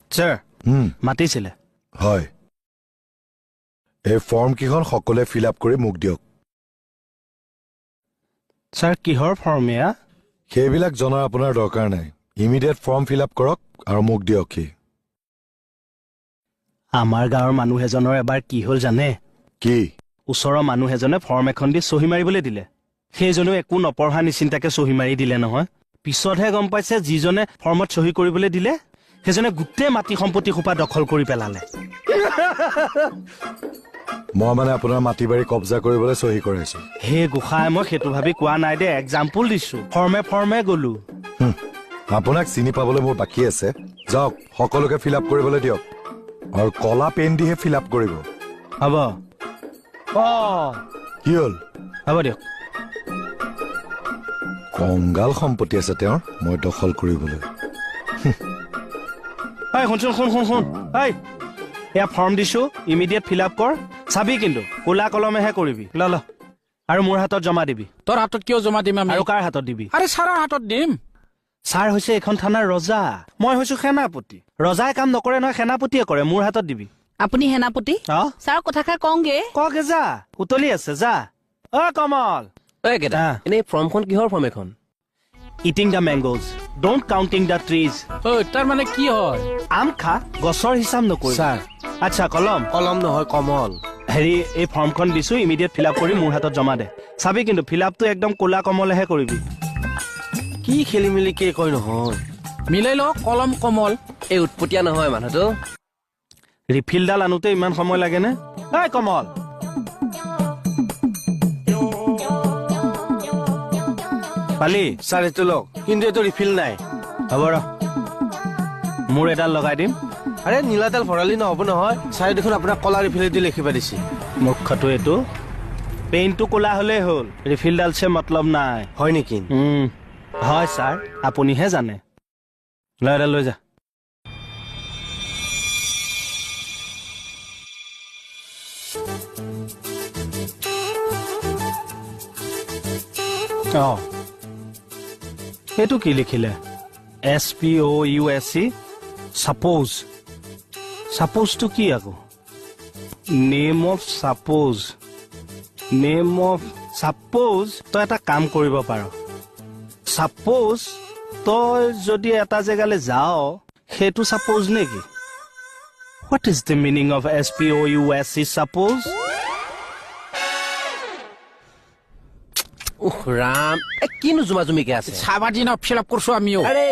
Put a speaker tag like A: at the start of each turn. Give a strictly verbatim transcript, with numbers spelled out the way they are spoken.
A: sir মাতিছিলে
B: হয় এই ফর্ম কিখন সকলে ফিল আপ কৰি মোক দিয়ক
A: স্যার কিহৰ ফৰ্ম এয়া
B: সেইবিলাক জনাৰ আপোনাৰ দৰকাৰ নাই ইমিডিয়েট ফৰ্ম ফিল আপ কৰক আৰু মোক দিয়ক কি
A: আমাৰ গাঁৱৰ মানুহ এজনৰ এবাৰ কি হ'ল জানে
B: কি
A: ওচৰৰ মানুহ এজনে ফৰ্ম এখন দি সহি মাৰিবলৈ দিলে সেইজনেও একো নপঢ়া নিচিন্তাকে সহি মাৰি দিলে নহয় পিছতহে গম পাইছে যিজনে ফৰ্মত সহি কৰিবলৈ দিলে সেইজনে গোটেই মাটি সম্পত্তি সোপা দখল কৰি পেলালে
B: মই মানে আপোনাৰ মাটি বাৰী কব্জা কৰিবলৈ সহি কৰাইছো
A: হে গোসাই মই সেইটো ভাবি কোৱা নাই দে এক্সাম্পল দিছো ফৰ্মে ফৰ্মে গলো
B: আপোনাক চিনি পাবলৈ মোৰ বাকী আছে যাওক সকলোকে ফিল আপ কৰিবলৈ দিয়ক আৰু কলা পেন দিহে ফিল আপ কৰিব
A: হ'ব অ
B: কি হ'ল
A: হ'ব দিয়ক
B: কংগাল সম্পত্তি আছে তেওঁৰ মই দখল কৰিবলৈ
A: এই শুনচোন শুন শুন শুন এই এয়া ফৰ্ম দিছো ইমিডিয়েট ফিল আপ কৰ চাবি কিন্তু কোলা কলমেহে কৰিবি ল ল আৰু মোৰ হাতত জমা দিবি
C: তোৰ হাতত কিয় জমা দিম আমি
A: আৰু কাৰ হাতত দিবি
C: আৰে ছাৰৰ হাতত দিম
A: ছাৰ হৈছে এখন থানাৰ ৰজা মই হৈছো সেনাপতি ৰজাই কাম নকৰে নহয় সেনাপতিয়ে কৰে মোৰ হাতত দিবি
D: আপুনি সেনাপতি
A: অ
D: ছাৰ কথাষাৰ কওঁগে
A: ককে যা উতলি আছে যা অ কমল
E: ঐ কেইটা এনেই ফৰ্মখন কিহৰ ফৰ্ম এখন
A: eating the mangoes don't counting the trees
C: ঐ তাৰ মানে কি হয়
A: আম খা গছৰ হিচাপ নকৰি
E: ছাৰ
A: আচ্ছা কলম
E: কলম নহয় কমল
A: হেৰি এই ফৰ্মখন দিছো ইমিডিয়েট ফিল আপ কৰি মোৰ হাতত জমা দে চাবি কিন্তু ফিল আপটো একদম কোলা কমলেহে কৰিবি
E: কি খেলি মেলি কে কয় নহয়
C: মিলাই ল কলম কমল
E: এই উৎপতীয়া নহয় মানুহটো
A: ৰিফিলডাল আনোতে ইমান সময় লাগেনে এই কমল পালি
E: ছাৰ এইটো লওক কিন্তু এইটো ৰিফিল নাই
A: হ'ব ৰ মোৰ এডাল লগাই দিম
E: আৰে নীলাডাল ভৰালি নহ'ব নহয় ছাৰে দেখোন আপোনাক কলা ৰিফিলেদি লিখিব দিছে
A: মুখ্যটো এইটো পেইনটো কোলা হলেই হ'ল ৰিফিলডাল চে মতলব নাই
E: হয় নেকি
A: উম হয় ছাৰ আপুনিহে জানে লৈ এডাল লৈ যা অ এইটো কি লিখিলে S P O' U S C spouse ছাপ'জটো কি আকৌ name of spouse name of spouse তই এটা কাম কৰিব পাৰ ছাপ'জ তই যদি এটা জেগালৈ যাও সেইটো ছাপ'জ নেকি what is the meaning of S P O' U S C spouse
E: uh Ram এ কিনো জুমা জুমিকে আছে
C: চাবা দিন ফিল আপ কৰিছো আমিও
E: আৰে